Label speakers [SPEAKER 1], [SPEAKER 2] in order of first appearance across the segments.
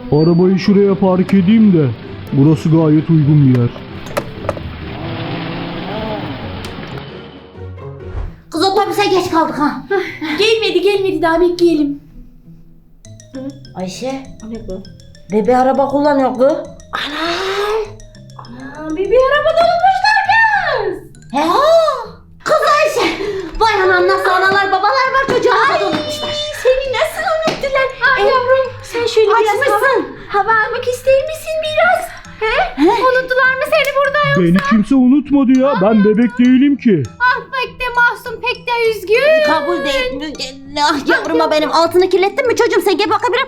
[SPEAKER 1] Arabayı şuraya park edeyim de. Burası gayet uygun bir yer.
[SPEAKER 2] Kız otobüse geç kaldık ha.
[SPEAKER 3] Gelmedi daha bekleyelim.
[SPEAKER 2] Ayşe,
[SPEAKER 3] Ne bu?
[SPEAKER 2] bebe araba kullanıyor kız.
[SPEAKER 3] Ana bebeği arabada unutmuşlar kız.
[SPEAKER 2] He? Kız Ayşe. Vay anam, nasıl analar babalar var, çocuğu arabada unutmuşlar.
[SPEAKER 3] Seni nasıl unuttular? Yavrum sen şöyle biraz hava almak ister misin biraz? He? Unuttular mı seni burada yoksa?
[SPEAKER 1] Beni kimse unutmadı ya. Ben bebek değilim ki.
[SPEAKER 3] Ah pek de mahzun pek de üzgün.
[SPEAKER 2] Kabul değil. Ah yavruma benim, altını kirlettin mi çocuğum sen? Gel bakabilirim.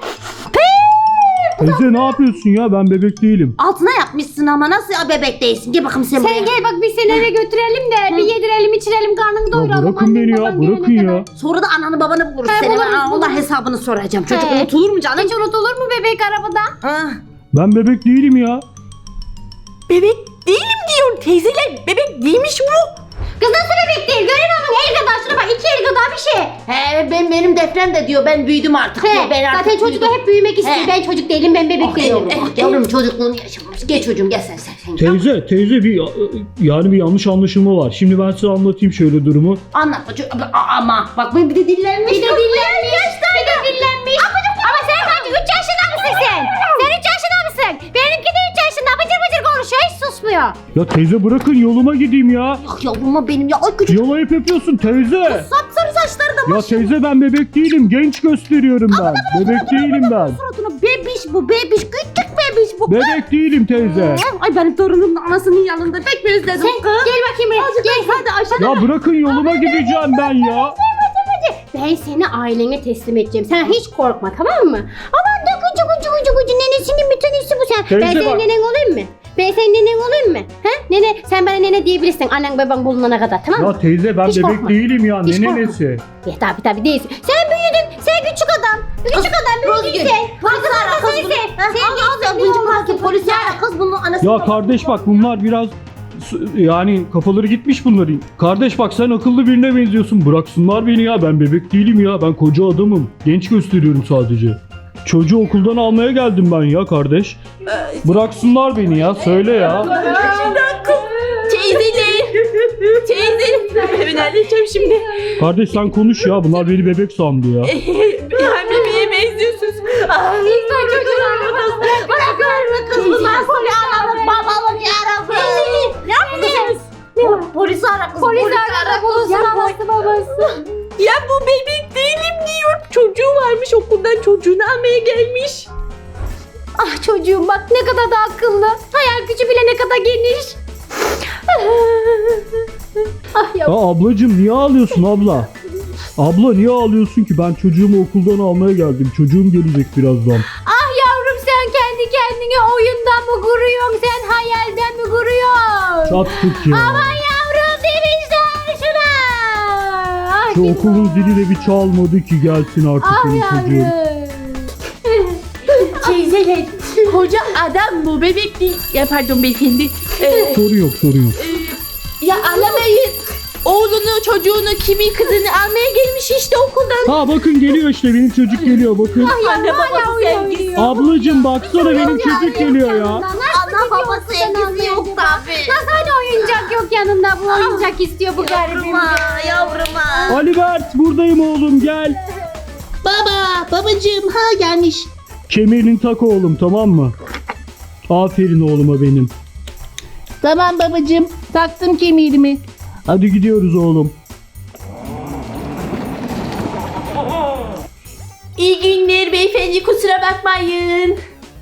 [SPEAKER 1] Teyze ne yapıyorsun ya? Ben bebek değilim.
[SPEAKER 2] Altına yapmışsın ama nasıl ya, bebek değilsin? Gel bakayım sen buraya.
[SPEAKER 3] Sen gel bak biz seni eve götürelim de bir yedirelim içirelim karnını
[SPEAKER 1] Ya
[SPEAKER 3] doyuralım.
[SPEAKER 1] bırakın
[SPEAKER 3] Annen,
[SPEAKER 1] beni ya.
[SPEAKER 3] baban
[SPEAKER 1] Bırakın
[SPEAKER 3] gelene
[SPEAKER 1] ya.
[SPEAKER 3] kadar.
[SPEAKER 2] Sonra da ananı babanı buluruz
[SPEAKER 3] He,
[SPEAKER 2] seni.
[SPEAKER 3] buluruz,
[SPEAKER 2] Ben Allah
[SPEAKER 3] buluruz.
[SPEAKER 2] hesabını soracağım. Çocuk
[SPEAKER 3] He.
[SPEAKER 2] unutulur mu canım?
[SPEAKER 3] Hiç unutulur mu bebek arabada?
[SPEAKER 2] Ah.
[SPEAKER 1] Ben bebek değilim ya.
[SPEAKER 3] Bebek değilim diyor teyzeler. Bebek değilmiş bu. Kız nasıl bebek değil? Görün onun el kadar şuna bak 2 el kadar bir şey.
[SPEAKER 2] He, benim defnem de diyor ben büyüdüm artık diyor. Ben artık
[SPEAKER 3] Zaten çocuklar
[SPEAKER 2] büyüdüm.
[SPEAKER 3] hep büyümek istiyor.
[SPEAKER 2] He.
[SPEAKER 3] Ben çocuk değilim ben bebek değilim.
[SPEAKER 2] Yavrum çocukluğunu yaşamamış. Gel çocuğum gel sen.
[SPEAKER 1] Teyze bir yanlış anlaşılma var. Şimdi ben size anlatayım şöyle durumu.
[SPEAKER 2] Anlatma çocuğum. Ama bak bir de dillenmiş.
[SPEAKER 3] Bir de dillenmiş. Ama sen kaç? 3 yaşında mısın sen? Sen 3 yaşında mısın? Benimki de 3 yaşında. Bıcır bıcır konuşuyor. Hiç susmuyor.
[SPEAKER 1] Ya teyze bırakın yoluma gideyim ya.
[SPEAKER 2] Yok yavruma benim ya. Ay küçük
[SPEAKER 1] Yalayıp yapıyorsun teyze.
[SPEAKER 2] sapsarı saçları da
[SPEAKER 1] Ya teyze ben bebek değilim. Genç gösteriyorum ben. Bebek değilim ben.
[SPEAKER 2] suratına. Bebiş bu bebiş. Küçük bebiş bu.
[SPEAKER 1] Bebek değilim teyze.
[SPEAKER 2] Ay benim torunum da anasının yanında pek mi özledim kız?
[SPEAKER 3] Gel bakayım buraya. Gel hadi aşağıda.
[SPEAKER 1] Ya bırakın yoluma gideceğim ben ya.
[SPEAKER 3] Ben seni ailene teslim edeceğim. Sen hiç korkma tamam mı? Aman da kucu nenesinin bir tanesi bu sen.
[SPEAKER 1] Teyze
[SPEAKER 3] Ben senin
[SPEAKER 1] bak.
[SPEAKER 3] nenen olayım mı? Ben senin nenen olayım mı? He? Nene sen bana nene diyebilirsin annen baban bulunana kadar tamam mı?
[SPEAKER 1] Ya teyze ben
[SPEAKER 3] Hiç
[SPEAKER 1] bebek
[SPEAKER 3] korkma.
[SPEAKER 1] değilim ya.
[SPEAKER 3] Hiç
[SPEAKER 1] Ne
[SPEAKER 3] korkma.
[SPEAKER 1] nenesi?
[SPEAKER 3] Ya tabii değilsin. Sen büyüdün. Sen küçük adam. Küçük adam büyüdün sen.
[SPEAKER 2] Polis ara kız bunu.
[SPEAKER 3] Sen
[SPEAKER 2] Sen polis ara kız bunun anası.
[SPEAKER 1] Ya kardeş bak bunlar biraz yani kafaları gitmiş bunların. Kardeş bak sen akıllı birine benziyorsun. Bıraksınlar beni ya. Ben bebek değilim ya. Ben koca adamım. Genç gösteriyorum sadece. Çocuğu okuldan almaya geldim ben ya kardeş. Bıraksınlar beni ya. Söyle ya.
[SPEAKER 4] Teyzeler. Ben halledeceğim şimdi.
[SPEAKER 1] Kardeş sen konuş ya. Bunlar beni bebek sandı ya.
[SPEAKER 4] Ben bebeğe benziyorsunuz.
[SPEAKER 3] İnsan çocuğuna
[SPEAKER 2] Bırakın kız bunlar seni analım babalım yarabbim. Ne yapıyorsunuz? Polis ara kız.
[SPEAKER 3] Polis arada bulunsun anası babası.
[SPEAKER 4] Ya bu bebek değilim diyor. Çocuğu varmış okuldan çocuğunu almaya gelmiş.
[SPEAKER 3] Ah çocuğum bak ne kadar da akıllı. Hayal gücü bile ne kadar geniş. Ah
[SPEAKER 1] Ya
[SPEAKER 3] ya.
[SPEAKER 1] ablacığım niye ağlıyorsun abla? Abla niye ağlıyorsun ki? Ben çocuğumu okuldan almaya geldim. Çocuğum gelecek birazdan.
[SPEAKER 3] Ah yavrum sen kendi kendine oyundan mı kuruyorsun? Sen hayalden mi kuruyorsun?
[SPEAKER 1] Çattık ya.
[SPEAKER 3] Aman yavrum demişler şuna. Ah,
[SPEAKER 1] Şu
[SPEAKER 3] git
[SPEAKER 1] okulun
[SPEAKER 3] bak.
[SPEAKER 1] zili de bir çalmadı ki gelsin artık
[SPEAKER 3] Ah
[SPEAKER 1] benim çocuğum.
[SPEAKER 3] yavrum.
[SPEAKER 4] Teyzeler. Koca adam bu bebek değil. Ya pardon beyefendi.
[SPEAKER 1] Sorun yok.
[SPEAKER 4] Ya alamayın. Oğlunu, çocuğunu, kimi kızını almaya gelmiş işte okuldan.
[SPEAKER 1] Ha bakın geliyor işte benim çocuk geliyor bakın.
[SPEAKER 3] Ah
[SPEAKER 4] Anne
[SPEAKER 3] yavrum hala
[SPEAKER 4] babası
[SPEAKER 3] oyun
[SPEAKER 4] sevgisi.
[SPEAKER 3] oynuyor.
[SPEAKER 1] Ablacığım baksana benim çocuk geliyor ya.
[SPEAKER 2] Ana babası evlisi yok tabi.
[SPEAKER 3] Nasıl hani oyuncak yok yanında bu oyuncak istiyor bu garibim.
[SPEAKER 2] Yavruma.
[SPEAKER 1] Ali Bert buradayım oğlum gel.
[SPEAKER 4] Babacığım ha gelmiş.
[SPEAKER 1] Kemerini tak oğlum tamam mı? Aferin oğluma benim.
[SPEAKER 4] Tamam babacığım taktım kemerimi.
[SPEAKER 1] Hadi gidiyoruz oğlum.
[SPEAKER 4] İyi günler beyefendi kusura bakmayın.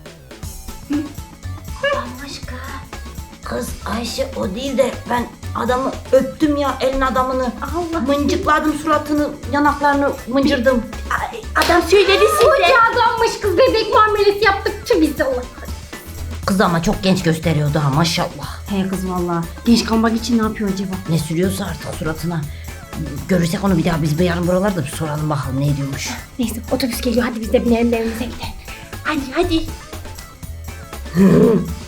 [SPEAKER 2] Başka. Kız Ayşe o değil de ben adamı öptüm ya, elin adamını.
[SPEAKER 3] Allah.
[SPEAKER 2] Mıncıkladım suratını, yanaklarını mıncırdım.
[SPEAKER 4] Adam söyledi size.
[SPEAKER 3] Koca adammış kız bebek muamelesi yaptık. Tüh biz de Allah.
[SPEAKER 2] Kız ama çok genç gösteriyordu ha maşallah.
[SPEAKER 3] He kız valla. Genç kalmak için ne yapıyor acaba?
[SPEAKER 2] Ne sürüyorsa artık suratına. Görürsek onu bir daha biz bir yarın buralarda bir soralım bakalım ne diyormuş.
[SPEAKER 3] Neyse otobüs geliyor hadi biz de binelim de evimize gidelim.
[SPEAKER 4] Hadi.